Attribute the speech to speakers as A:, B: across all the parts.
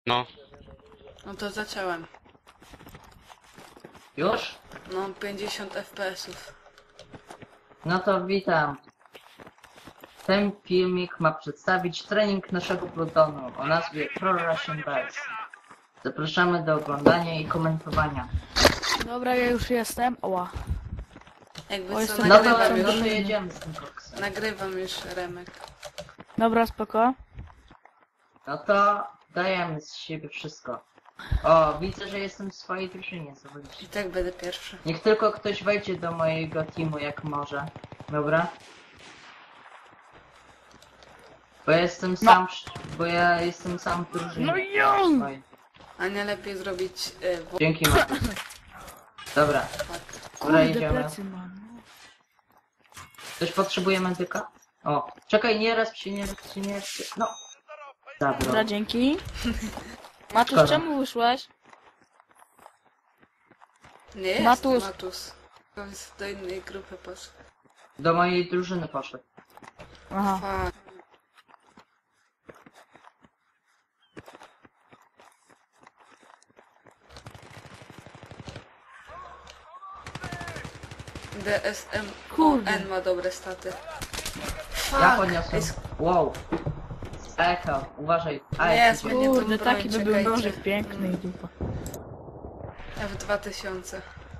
A: No,
B: No to zacząłem.
C: Już?
B: No 50 FPS-ów.
C: No to witam. Ten filmik ma przedstawić trening naszego plutonu o nazwie Pro Russian Bears. Zapraszamy do oglądania i komentowania.
D: Dobra, ja już jestem. Oła.
B: Jakby
D: O,
B: co,
D: jestem
C: No to,
B: nagrywam
C: no to
B: już.
C: jedziemy z tym koksem.
B: Nagrywam już Remek.
D: Dobra, spoko.
C: No to dajemy z siebie wszystko. O, widzę, że jestem w swojej drużynie, zobaczcie.
B: I tak będę pierwszy.
C: Niech tylko ktoś wejdzie do mojego teamu jak może. Dobra? Bo ja jestem sam w drużynie.
D: No i ją!
C: Oj,
B: A nie lepiej zrobić...
C: dzięki Marku. Dobra, dobra,
D: Kurde,
C: jedziemy.
D: plecy mam.
C: Ktoś potrzebuje medyka? O, czekaj, nie raz się. No. Dobra.
D: Dobra, dzięki. Matusz,
C: Szkoda.
D: czemu wyszłeś?
B: Nie jest
D: Matus.
B: Matus. Matus. Do innej grupy poszedł.
C: Do mojej drużyny poszedł.
D: Aha.
B: Fuck. DSM
D: Kurde.
B: N ma dobre staty.
C: Ja
B: Fuck.
C: podniosłem.
B: Jest-
C: Wow. Echo, uważaj.
B: Nie,
C: jak
B: zmienię
C: idzie.
B: tą
D: Kurde,
B: broń,
D: taki by był
B: czekajcie.
D: nożyk piękny i dupa.
B: F2000.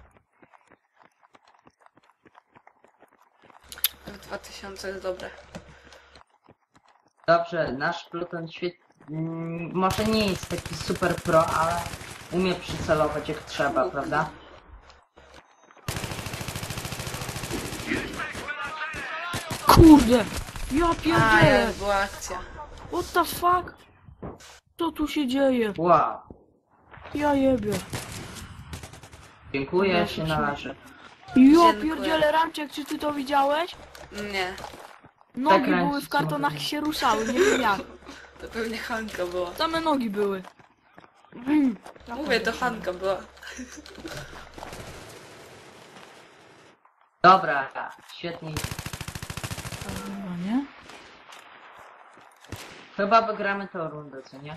B: F2000 jest dobre.
C: Dobrze, nasz pluton może nie jest taki super pro, ale umie przycelować jak trzeba, prawda?
D: Kurde! Ja
B: A,
D: pierdzielę!
B: jak była akcja.
D: What the fuck? Co tu się dzieje?
C: Wow.
D: Ja jebie.
C: Dziękuję,
D: Dobra,
C: się
D: proszę.
C: należy.
D: Ja
B: Dziękuję.
D: pierdzielę, Ramczek, czy ty to widziałeś?
B: Nie,
D: Nogi
C: Ramczek,
D: były w
C: co
D: kartonach i
C: mówię?
D: się ruszały, nie wiem jak.
B: to pewnie Hanka była.
D: Same nogi były.
B: Mówię, to Hanka była.
C: Dobra, świetnie.
D: Dobra, nie?
C: Chyba wygramy tę rundę, co nie?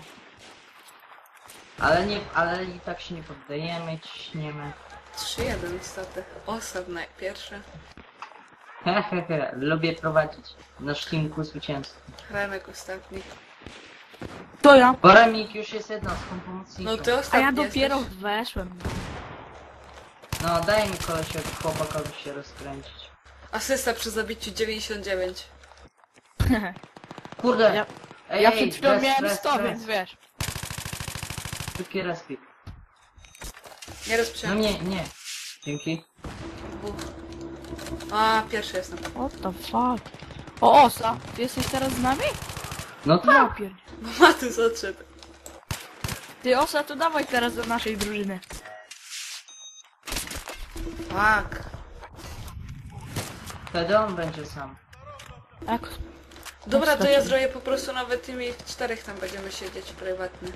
C: Ale i tak się nie poddajemy, ciśniemy.
B: 3-1 staty. Osad najpierwszy.
C: Hehehe, lubię prowadzić nasz team ku zwycięstwu.
B: Remek ostatni.
D: To ja.
C: Bo Remik już jest jednostką pomocniczą.
B: No ty
D: A
B: ostatni
D: ja dopiero
B: jesteś.
D: weszłem.
C: No daj mi kolesiowi chłopakowi się rozkręcić.
B: Asysta przy zabiciu 99.
C: Kurde!
D: Ja-
C: Ej,
D: Ja
C: ej,
D: przed chwilą
C: rest,
D: miałem
C: rest,
D: 100,
C: rest.
D: więc wiesz.
C: Szybki respik.
B: Nie
C: No
B: rozprzęłem.
C: nie. Dzięki.
B: A, pierwszy jestem.
D: What the fuck? O, Osa, ty jesteś teraz z nami?
C: No
D: Ja
C: tak.
D: pierdzie.
B: No Matus odszedł.
D: Ty, Osa, to dawaj teraz do naszej drużyny.
B: Fuck.
C: Wtedy on będzie sam.
D: Jak?
B: Dobra, to ja
D: Straciłem.
B: zrobię po prostu nawet tymi 4 tam będziemy siedzieć prywatnie.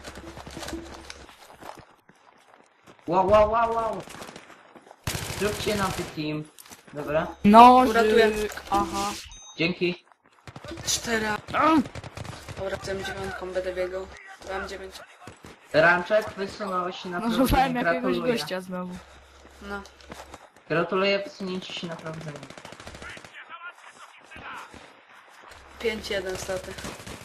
C: Wow. Zróbcie nam ten team. Dobra.
B: Uratuję.
D: Nożyk, aha.
C: Dzięki.
B: 4. Dobra, tym 9 będę biegał. Mam 9.
C: Ramczek, wysunąłeś się na
D: No,
C: prowadzenie.
D: szukałem jakiegoś
C: Gratuluję.
D: gościa znowu.
B: No.
C: Gratuluję wysunięcia się na prowadzenie.
B: 5-1 staty.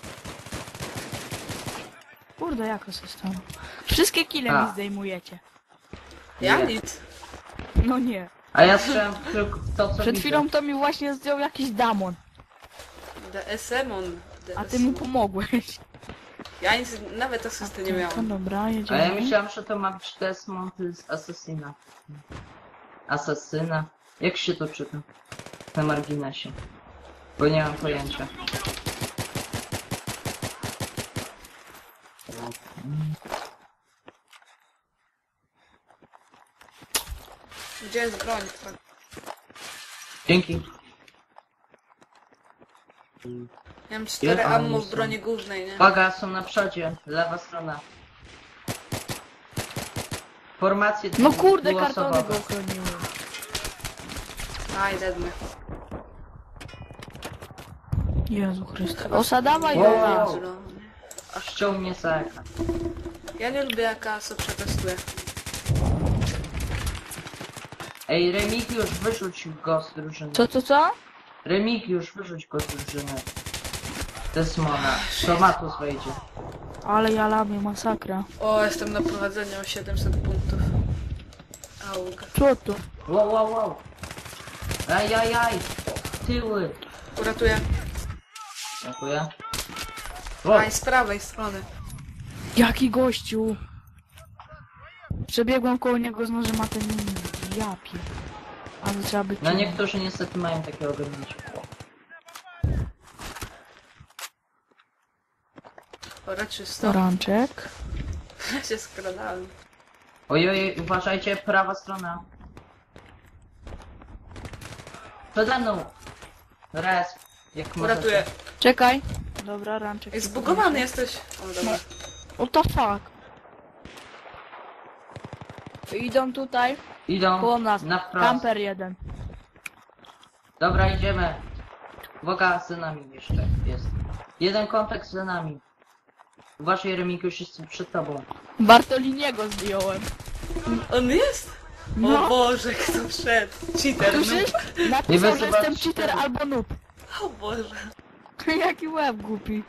D: Kurde, jak Osa stało? Wszystkie kile
C: A.
D: mi zdejmujecie.
B: Ja
C: Nie.
B: nic.
D: No nie.
C: A ja strzelam tylko w to, co
D: Przed
C: widzę.
D: chwilą to mi właśnie zdjął jakiś damon.
B: DSM on.
D: A ty mu pomogłeś.
B: Ja nic, nawet asysty nie
D: No
B: miałem.
D: dobra,
C: A ja
D: jedziemy.
C: myślałem, że to ma być Desmond z Asasyna. Asasyna? Jak się to czyta? Na marginesie. Bo nie mam pojęcia.
B: Gdzie jest broń?
C: Dzięki.
B: Ja mam 4
C: Ile
B: ammo
C: oni
B: w
C: są?
B: broni głównej, nie?
C: Uwaga, są na przodzie. Lewa strona. Formacje
D: No kurde, kartony
C: dwuosobowe.
D: go ochroniły.
B: Aj, dedmy.
D: Jezu Chryste. Osa, dawaj
C: Wow.
D: do nas.
B: Zielony.
C: Ściął mnie za ekran.
B: Ja nie lubię jak ASO przetestuje.
C: Ej, Remigiusz, wyrzuć go z drużyny.
D: Co?
C: Remigiusz, wyrzuć go z drużyny. Desmona. To Matus wejdzie.
D: Ale ja lamię, masakra.
B: O, jestem na prowadzeniu o 700 punktów. Aug.
D: Co to?
C: Wow. Ajajaj. Tyły.
B: Uratuję.
C: Dziękuję. Wow.
B: Aj, z prawej strony.
D: Jaki gościu? Przebiegłem koło niego z nożem, a ten nie. Ja pier... Ale trzeba być...
C: No niektórzy niestety mają takie ograniczenia.
B: Ora, czysto.
D: Ranczek.
B: Ja się skradałem.
C: Ojoj, uważajcie, prawa strona. Przede mną. Res. Jak
B: Uratuję.
D: Czekaj. Dobra, ranczek.
B: Ej, zbugowany jesteś. O, dobra.
D: What the fuck? Idą tutaj,
C: Idą
D: koło nas.
C: na wprost.
D: Camper jeden.
C: Dobra, idziemy. Uwaga, za nami jeszcze jest. Jeden kontakt za nami. Uważaj, Remigiusz, jest przed tobą.
D: Bartoliniego zdjąłem.
B: On jest?
D: No.
B: O Boże, kto wszedł? Cheater.
D: Słyszysz?
C: Nie
D: Napisał, że
C: wysuwać
D: jestem cheater
C: cztery.
D: albo noob.
B: O Boże.
D: Jaki łeb głupi.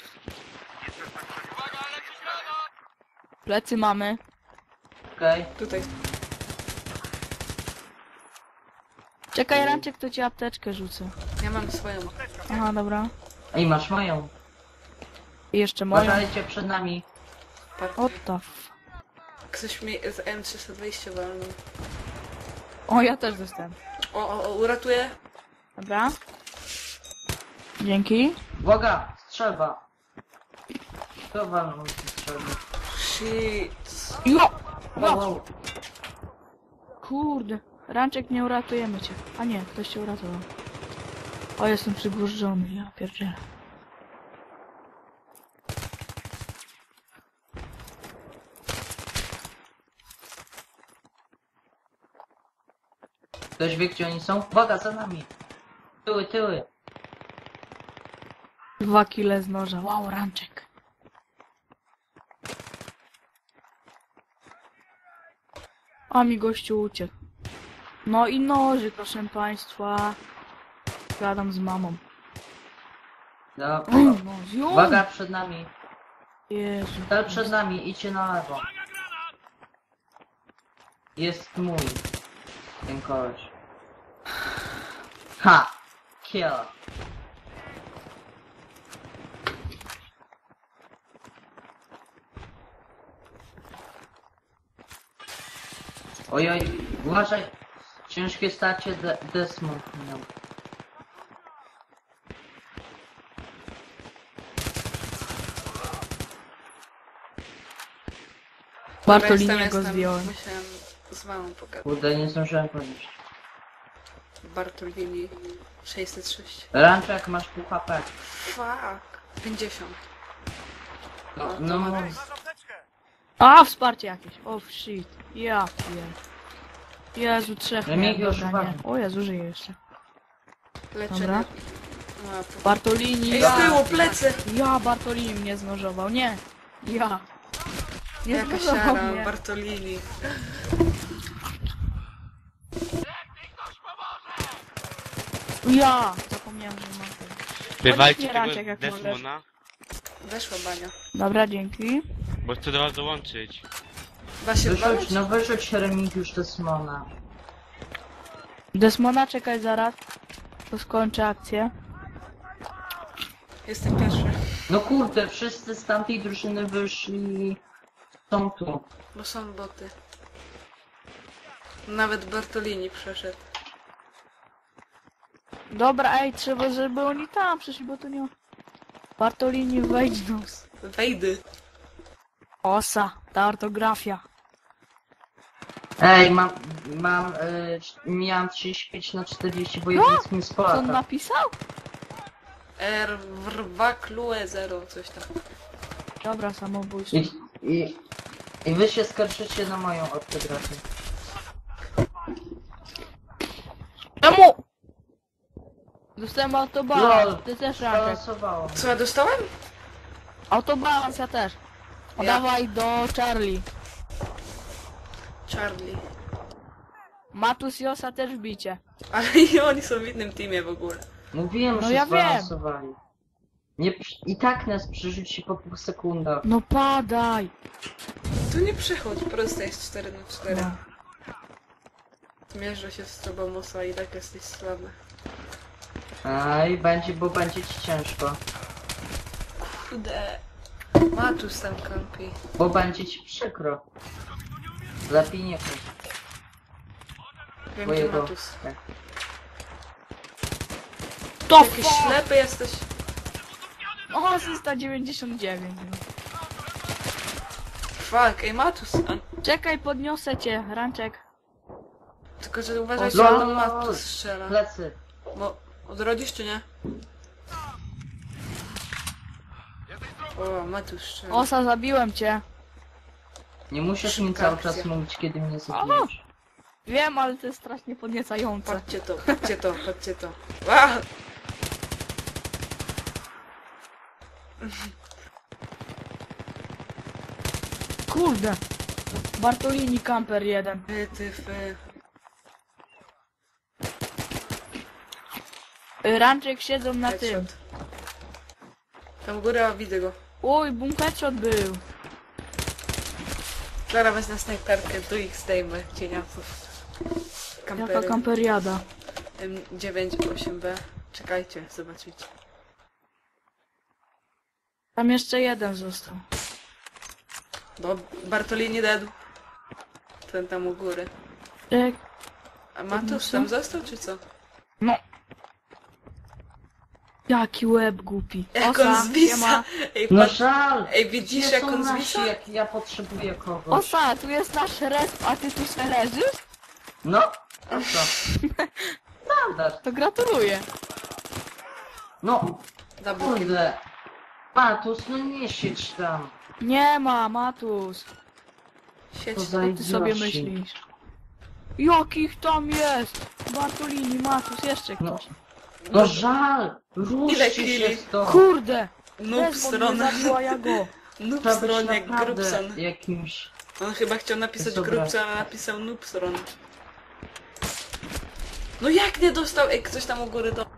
D: Plecy mamy.
C: Okej.
B: Tutaj.
D: Czekaj, ranczek, to ci apteczkę rzucę.
B: Ja mam swoją.
D: Aha, dobra.
C: Ej, masz moją.
D: I jeszcze moją.
C: Uważajcie przed nami.
D: What the f...
B: Ktoś mnie z M320 walnął.
D: O, ja też dostałem.
B: O, uratuję.
D: Dobra. Dzięki.
C: Uwaga, strzelba. Kto walnął z strzelby?
B: Shit.
D: Jo!
C: Wow.
D: Kurde. Ranczek, nie uratujemy cię. A nie, ktoś cię uratował. O, jestem przygłużony, ja pierdzielę.
C: Ktoś wie, gdzie oni są? Uwaga, za nami. Tyły.
D: 2 kile z noża. Wow, ranczek. A mi gościu uciekł. No i noży, proszę państwa. Gadam z mamą.
C: Dobra.
D: No, zium!
C: Uwaga, przed nami.
D: Jezu.
C: Cel przed nami, idźcie na lewo. Jest mój. Ten koleś. Ha! Kill. Ojoj, uważaj. Ciężkie starcie Desmond miał.
D: Bartoliniego zdjąłem.
B: Musiałem z mamą pogadać.
C: Kurde, nie zdążyłem podnieść.
B: Bartolini 606.
C: Ranczek, masz pół HP.
B: Fuck. 50.
C: No,
D: A, wsparcie jakieś. Oh shit. Ja pier... Jezu, trzech
C: Remigiusz,
D: dobra, nie.
C: uważaj.
D: O Jezu, żyje jeszcze.
B: Leczenie.
D: Dobra.
B: A, to...
D: Bartolini.
B: Ej, z tyłu, plecy!
D: Ja, Bartolini mnie znożował. Nie. Ja. Nie
B: Jaka
D: znożował
B: siara,
D: mnie.
B: Bartolini.
D: Ja. Zapomniałem, że mam tego.
A: Bywajcie
D: nie
A: tego
D: Ranczek, jak
A: Desmona,
B: Weszła bania.
D: Dobra, dzięki.
A: bo chcę do was dołączyć.
B: Da się
C: wyrzuć,
B: walić?
C: no wyrzuć Remigiusz Desmona.
D: Desmona, czekaj zaraz. To skończę akcję.
B: Jestem pierwszy.
C: No kurde, wszyscy z tamtej drużyny wyszli... Są tu.
B: Bo są boty. Nawet Bartolini przeszedł.
D: Dobra, ej, trzeba, żeby oni tam przyszli, bo to nie... Bartolini, wejdź do nas.
B: Wejdy.
D: Osa, ta ortografia.
C: Ej, miałem 35 na 40, bo jeden z mi z
D: Co on
C: Polaka.
D: napisał?
B: R, wrwa, klue, 0, coś tam.
D: Dobra, samobójstwo.
C: I wy się skarżycie na moją ortografię.
D: Czemu? Dostałem autobalans,
C: Lol,
D: ty też ranczek.
C: Balansowało.
B: Co ja dostałem?
D: Autobalans, ja też.
B: Ja.
D: Dawaj do Charlie.
B: Charlie.
D: Matus i Osa też bicie.
B: Ale i oni są w innym teamie w ogóle.
C: Mówiłem,
D: No
C: że
D: ja wiem.
C: zbalansowali. Nie, i tak nas przerzuci po 2 sekundach.
D: No padaj.
B: Tu nie przechodź, prosto jest 4 na 4.
D: No.
B: Mierzę się z tobą, Musa, i tak jesteś słaby.
C: Aj, bo będzie ci ciężko.
B: Kurde. Matus tam kampi.
C: Bo będzie ci przykro. Lepiej nie chodź.
B: Wiem, gdzie Matus.
D: To
B: Jakiś ślepy jesteś.
D: O, asysta 99. No.
B: Fuck, ej Matus. A,
D: Czekaj, podniosę cię, Ranczek.
B: tylko, że uważajcie,
C: O,
B: że
C: lol.
B: tam Matus strzela.
C: Plecy.
B: Bo odrodzisz czy nie? O, Matus strzela.
D: Osa, zabiłem cię.
C: Nie musisz mi
B: Szybka
C: cały
B: akcja.
C: czas mówić, kiedy mnie zabijesz.
D: Wiem, ale to jest strasznie podniecające.
B: Patrzcie to, patrzcie to, patrzcie to. Wow!
D: Kurde. Bartolini Camper 1.
B: Ty.
D: Ranczek siedzą na tym.
B: Headshot. Tam góra, widzę go.
D: Oj, headshot był.
B: Zaraz wezmę snajperkę, tu ich zdejmę, cieniasów.
D: Jaka
B: Kampery.
D: kamperiada.
B: M98B. Czekajcie, zobaczycie.
D: Tam jeszcze jeden został.
B: No, Bartolini dead. Ten tam u góry.
D: Ej,
B: A Matus tam został, czy co?
D: no. Jaki łeb głupi.
B: Jak
D: Osa,
B: on zwisa!
D: siema.
B: Ej,
C: No
B: patrz,
C: żal!
B: ej, widzisz
C: Gdzie
B: jak
C: są
B: on
C: nasi,
B: zwisa?
C: jak ja potrzebuję kogoś?
D: Osa, tu jest nasz resp, a ty tu se leżysz?
C: No, a co? Standard.
D: To gratuluję.
C: No,
B: Double kill.
C: kurde. Matus, no nie siedź tam.
D: Nie ma, Matus.
B: Sieć.
C: To za
D: Co ty sobie
C: idioci.
D: myślisz? Jakich tam jest? Bartolini, Matus, jeszcze
C: No,
D: ktoś.
C: no żal!
B: Ile
C: Ruszcie
B: killi?
C: się stąd.
D: Kurde!
B: Noob
D: Desmond mnie
B: stronę.
D: zabiła, ja go.
B: Noob
C: Trzeba być
B: stronie,
C: naprawdę
B: Grubson.
C: jakimś...
B: On chyba chciał napisać
C: Dobra.
B: Grubson, a napisał Noob stronę. No jak nie dostał? Ej, ktoś tam u góry to...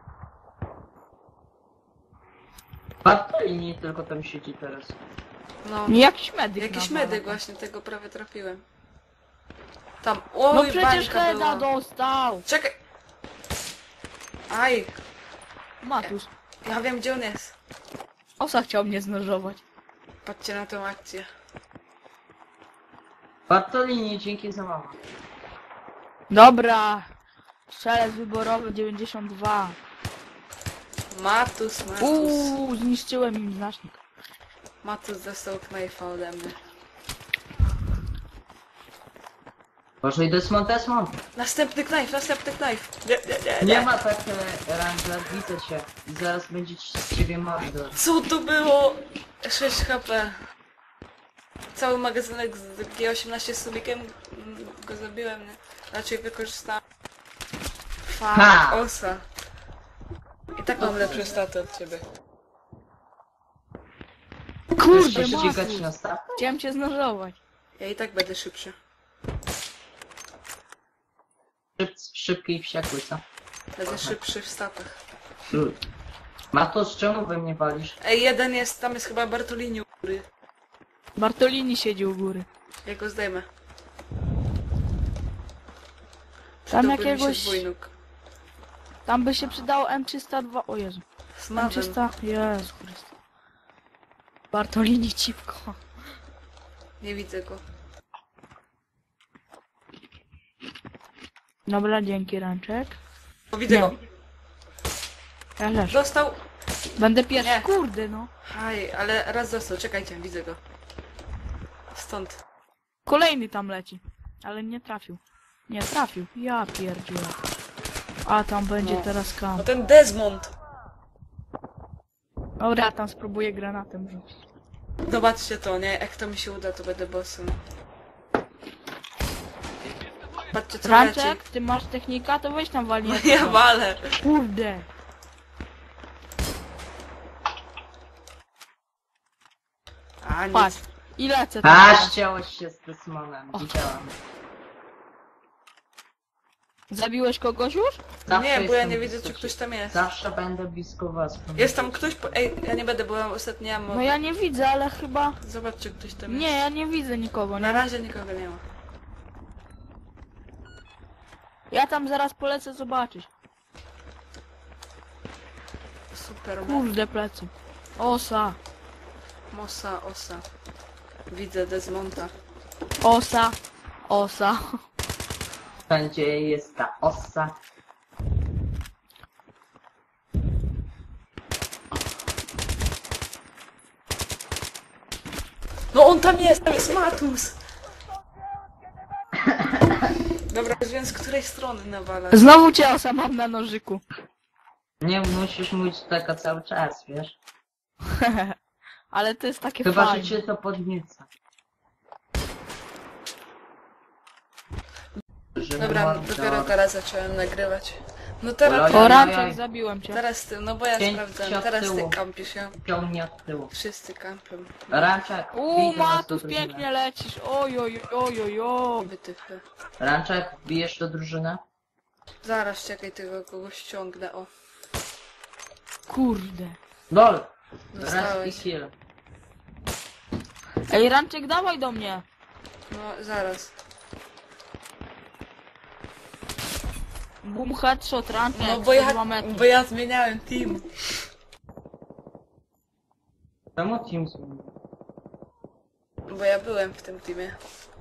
C: Bartolini tylko tam siedzi teraz.
B: No,
D: Nie, jakiś medyk.
B: jakiś
D: nawala.
B: medyk właśnie, tego prawie trafiłem. Tam,
D: No
B: oj,
D: przecież
B: bańka
D: Heda
B: była.
D: dostał.
B: Czekaj! Aj,
D: Matus.
B: ja wiem gdzie on jest.
D: Osa chciał mnie znożować.
B: Patrzcie na tą akcję.
C: Bartolini, dzięki za mama.
D: Dobra. Strzelec wyborowy 92.
B: Matus.
D: Zniszczyłem im znacznik.
B: Matus dostał knajfa ode mnie.
C: Boże, i Desmond.
B: Następny knajf, następny knajf. Nie.
C: Nie ma tak, Ranger, widzę cię. I zaraz będzie z ciebie mordo.
B: Co to było? 6 HP. Cały magazynek z G18 z subikiem go zabiłem, nie? Raczej wykorzystałem.
C: Ha!
B: Osa. I tak mam lepsze staty od ciebie.
D: Kurde,
C: Chcesz ścigać
D: Matus.
C: na stawę?
D: Chciałem cię znożować.
B: Ja i tak będę szybszy.
C: Szybki i wściekły, co?
B: Będę szybszy w statach.
C: Matus, czemu we mnie walisz?
B: Ej, jeden jest, tam jest chyba Bartolini u góry.
D: Bartolini siedzi u góry.
B: Ja go zdejmę.
D: Tam
B: Przydałby mi się
D: jakiegoś...
B: dwójnóg.
D: Tam by się przydało M302. O Jezu.
B: Z mawem.
D: M300. Jezu Chryste. Bartolini cipko.
B: Nie widzę go.
D: Dobra, dzięki Ranczek.
B: O, widzę
D: Nie.
B: go.
D: Ja też.
B: Dostał.
D: Będę pierwszy.
B: Nie.
D: Kurde no.
B: Haj, ale raz dostał. Czekajcie, widzę go. Stąd.
D: Kolejny tam leci. Ale nie trafił. Nie trafił. Ja pierdzielę. A tam będzie
B: No.
D: teraz kam.
B: No ten Desmond.
D: Dobra, tam spróbuję granatem rzucić.
B: Zobaczcie to, nie? Jak to mi się uda, to będę bossem. Patrzcie co leci.
D: Ranczek, ty masz technika, to weź tam walnie.
B: No ja walę.
D: Kurde.
B: A nic.
D: Patrz. I lecę tam.
C: A, ściąłeś się z Desmonem, widziałam.
D: Zabiłeś kogoś już?
C: Zawsze
B: Nie, bo ja
C: jestem
B: nie widzę,
C: blisko
B: czy ktoś
C: ciebie.
B: tam jest.
C: Zawsze będę blisko was.
B: Jest tam ktoś? Ej, ja nie będę, bo ja ostatnio ja
D: No ja nie widzę, ale chyba...
B: Zobacz, czy ktoś tam
D: Nie,
B: jest.
D: ja nie widzę nikogo,
B: Na
D: nie?
B: razie nikogo nie ma.
D: Ja tam zaraz polecę zobaczyć.
B: Super.
D: Kurde, plecy. Osa.
B: Osa. Widzę Desmonta.
D: Osa. Osa.
C: Wszędzie jest ta osa.
B: No on tam jest Matus! Dobra, więc z której strony nawala?
D: Znowu cię osa mam na nożyku.
C: Nie musisz mówić taka cały czas, wiesz?
D: Ale to jest takie
C: Chyba, że
D: fajne.
C: cię to podnieca. Żeby
B: Dobra,
C: mordo-
B: dopiero teraz zacząłem nagrywać. No teraz
C: Ojoj.
B: ty,
D: O, Ranczek, zabiłem cię.
B: teraz ty, no bo ja
C: Pięć
B: sprawdzałem,
C: od
B: teraz ty
C: tyłu.
B: kampisz, ja.
C: Ciągnie od tyłu.
B: Wszyscy kampią.
C: Ranczak, bij do nas do
D: Matus,
C: drużyny.
D: pięknie lecisz. Oj, oj, oj, oj, oj.
B: Wytyfy.
C: Ranczak, bijesz do drużyny?
B: Zaraz, czekaj, tego kogoś ściągnę, o.
D: Kurde.
C: LOL! Raz i
B: Dostałeś.
C: kill.
D: Ej, Ranczek, dawaj do mnie.
B: No, zaraz.
D: Boom, headshot, Ranczek.
B: No bo ja,
D: 102 metry.
B: bo ja zmieniałem team.
C: Czemu team zmienił?
B: Bo ja byłem w tym teamie.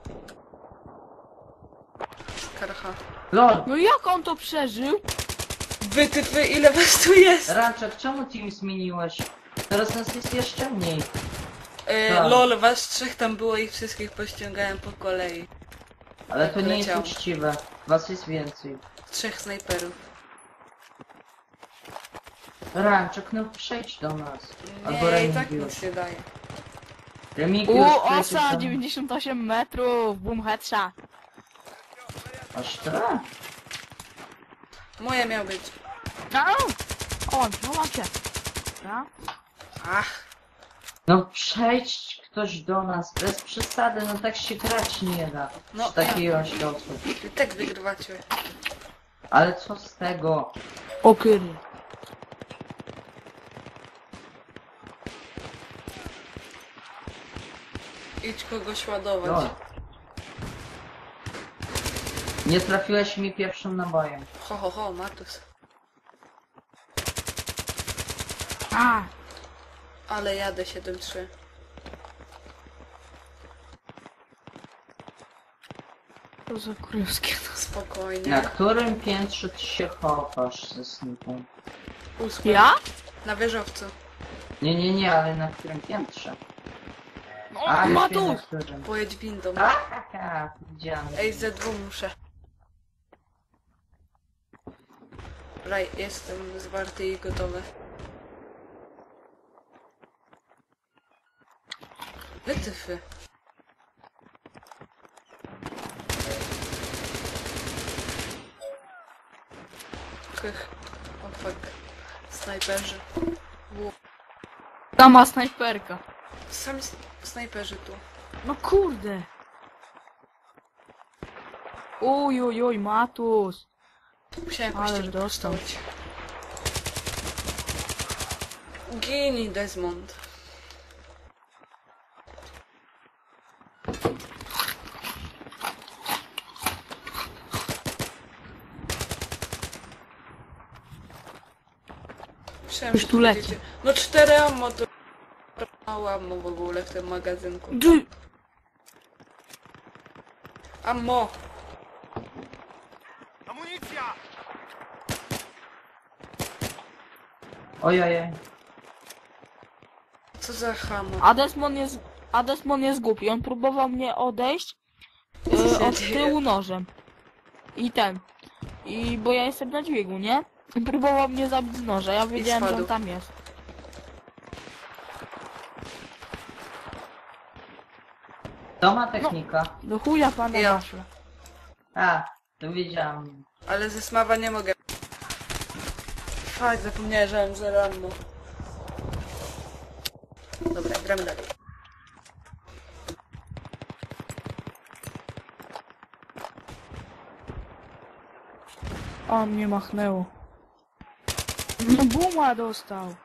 B: Karcha.
C: LOL!
D: No jak on to przeżył?
B: Wytyfy, ile was tu jest?
C: Ranczak, czemu team zmieniłeś? Teraz nas jest jeszcze mniej. Tak.
B: Lol, was trzech tam było i wszystkich pościągałem po kolei.
C: Ale to nie jest
B: Leciało.
C: uczciwe. Was jest więcej.
B: Trzech snajperów.
C: Ranczak, no przejdź do nas. Albo
B: Nie, i tak
C: Remigiusz.
B: nic nie daje.
C: Remigiusz, przejdziesz
D: Osa,
C: do...
D: 98 metrów. Boom, headshot.
C: Aż tyle?
B: Moje miał być.
D: Au! O, mam cię. No.
B: Ach,
C: No przejdź ktoś do nas, bez przesady, no tak się grać nie da.
B: No,
C: Przy takiej ilości osób.
B: i tak wygrywacie.
C: Ale co z tego?
D: O kurde.
B: Idź kogoś ładować.
C: No. Nie trafiłeś mi pierwszym nabojem.
B: Ho, Matus.
D: A,
B: Ale jadę 7-3.
D: to za królewskie.
B: Spokojnie.
C: Na którym piętrze ty się chowasz ze snipą?
B: 8.
D: Ja?
B: Na wieżowcu.
C: Nie, ale na którym piętrze?
D: No,
C: A, na
D: Matus!
C: którym?
B: Pojedź windą.
C: Haha, widziałem.
B: Ej, Z2 muszę. Raj, jestem zwarty i gotowy. Wytyfy. Kych. O fuck. Snajperzy.
D: Sama snajperka.
B: Sami snajperzy tu.
D: No kurde. Uj, uj, uj, Matus.
B: Musiałem
D: Ale
B: kościel
D: dostał.
B: postawić. Gini, Desmond. Myślałem,
D: Już
B: że
D: tu leci.
B: będziecie- No 4 ammo to mało ammo w ogóle w tym magazynku.
D: Dy.
B: Ammo!
C: Ojej.
B: Co za hamo?
D: Adesmon jest głupi. On próbował mnie odejść
B: Co się
D: od
B: dzieje?
D: tyłu nożem. I ten. I bo ja jestem na dźwigu, nie? I próbował mnie zabić z noża. Ja wiedziałem, że on
B: spadł.
D: tam jest.
C: To ma technika.
D: Do chuja pana
B: Ja.
D: masz.
C: A, to wiedziałem.
B: Ale ze smawa nie mogę. Fakt, zapomniałem, że mam 0 ammo. Dobra, gramy dalej.
D: O, mnie machnęło. No buma dostał.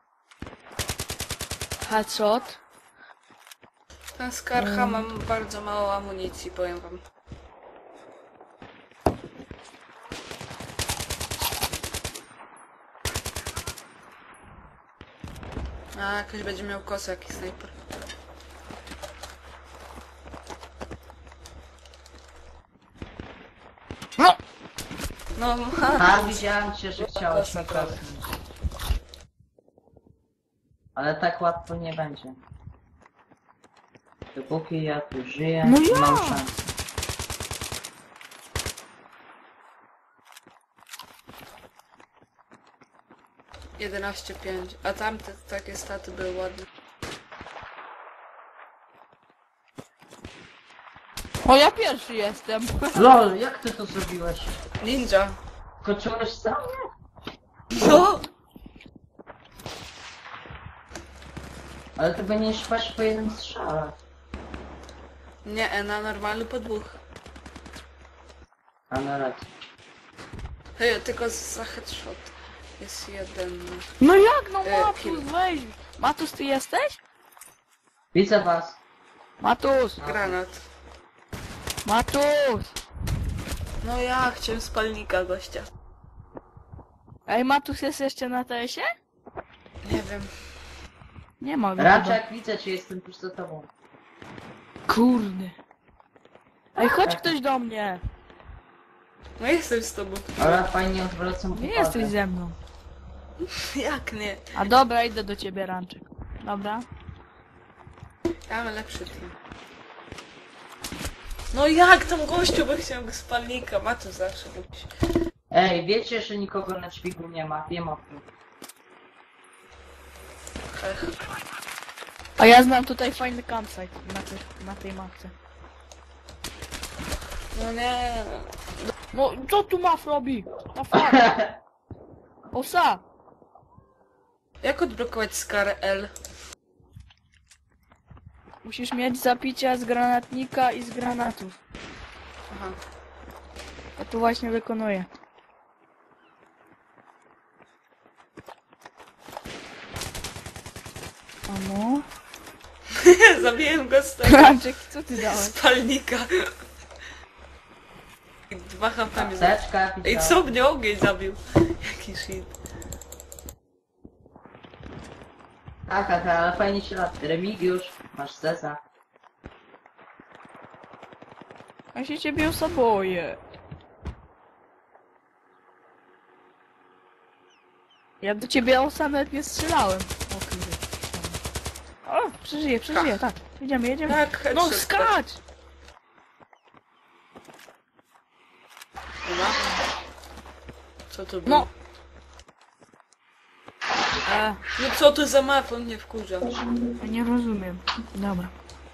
D: Headshot.
B: Ten Skarha mam bardzo mało amunicji, powiem wam. A, ktoś będzie miał kosę, jakiś snajper.
D: No!
B: No,
C: A, widziałem cię, że chciałeś mnie kosnąć. Ale tak łatwo nie będzie. Dopóki ja tu żyję,
D: No
C: nie
D: ja!
C: mam szans.
B: Jedenaście pięć. A tamte takie staty były ładne.
D: O, ja pierwszy jestem.
C: LOL, jak ty to zrobiłeś?
B: Ninja.
C: Skoczyłeś sam?
B: No!
C: Ale ty będziesz paść po jednym strzale.
B: Nie, na normalny po dwóch.
C: A na razie.
B: Hej, tylko za headshot. Jest jeden.
D: No jak, no
B: Kill.
D: Matus, weź. Matus, ty jesteś?
C: Widzę was.
D: Matus!
B: Granat.
D: Matus!
B: No ja chciałem spalnika gościa.
D: Ej, Matus jest jeszcze na TS-ie?
B: Nie wiem.
D: Nie ma go.
C: Raczek, widzę cię, jestem tuż za tobą.
D: chyba. Kurde. Ej, chodź ktoś do mnie.
B: No jestem z tobą.
C: Ale fajnie odwracam
D: Nie
C: uwagę.
D: jesteś ze mną.
B: Jak nie?
D: A dobra, idę do ciebie, Ranczek. Dobra.
B: Ja mam lepszy team. No jak tam gościu, bo chciałem go spalnika. Ma tu zawsze być.
C: Ej, wiecie, że nikogo na dźwigu nie ma, wiem o tym.
B: Hech.
D: A ja znam tutaj fajny campsite na tej mapce.
B: No nie.
D: No, co tu maf robi? Na fuck. Osa!
B: Jak odblokować Scar L?
D: Musisz mieć zapicia z granatnika i z granatów.
B: Aha.
D: Ja tu właśnie wykonuję. Amo?
B: Zabiłem go z tego
D: Ranczek, co ty dałeś?
B: spalnika. I 2 HP mi zabił.
C: Apteczka,
B: Ej,
C: widziałem.
B: co mnie ogień zabił? Jaki shit.
C: Tak, ale fajnie się lat. Remigiusz, masz Cesa.
D: Ja się ciebie boję. Ja do ciebie osa nawet nie strzelałem. O kurde. O, przeżyję, tak. Jedziemy.
B: Tak,
D: No
B: headshot.
D: skacz!
B: Dobra. Co to było?
D: No.
B: No co to za mapa? On mnie wkurza.
D: Ja nie rozumiem. Dobra.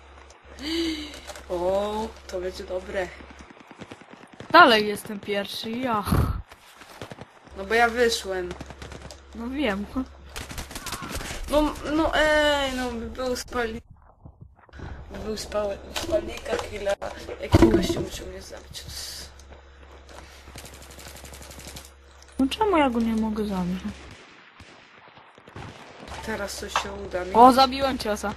B: O, to będzie dobre.
D: Dalej jestem pierwszy, ja.
B: No bo ja wyszłem.
D: No wiem.
B: No no by był spalnik. Był spalnika killa. Jaki gościu musiał mnie zabić.
D: No czemu ja go nie mogę zabić?
B: Teraz coś się uda mi.
D: O, zabiłem ciosa.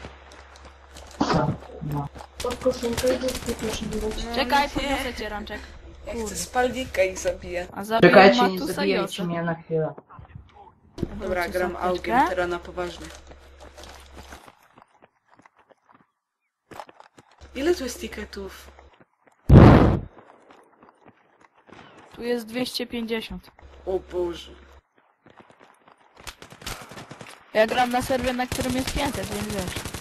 C: No.
B: No,
D: Czekaj,
B: nie.
D: podniosę cię, Ranczek.
B: Ja chcę
D: Kurde.
B: spalnika i zabiję.
D: A zabiłem
C: Czekajcie, nie
D: Matusa i
C: zabijajcie
D: Josę.
C: mnie na chwilę.
B: Dobra,
D: Wrócę
B: gram
D: zapeczkę.
B: augiem, teraz na poważnie. Ile tu jest tiketów?
D: Tu jest 250.
B: O Boże.
D: Ja gram na serwie, na którym jest 500, więc wiesz.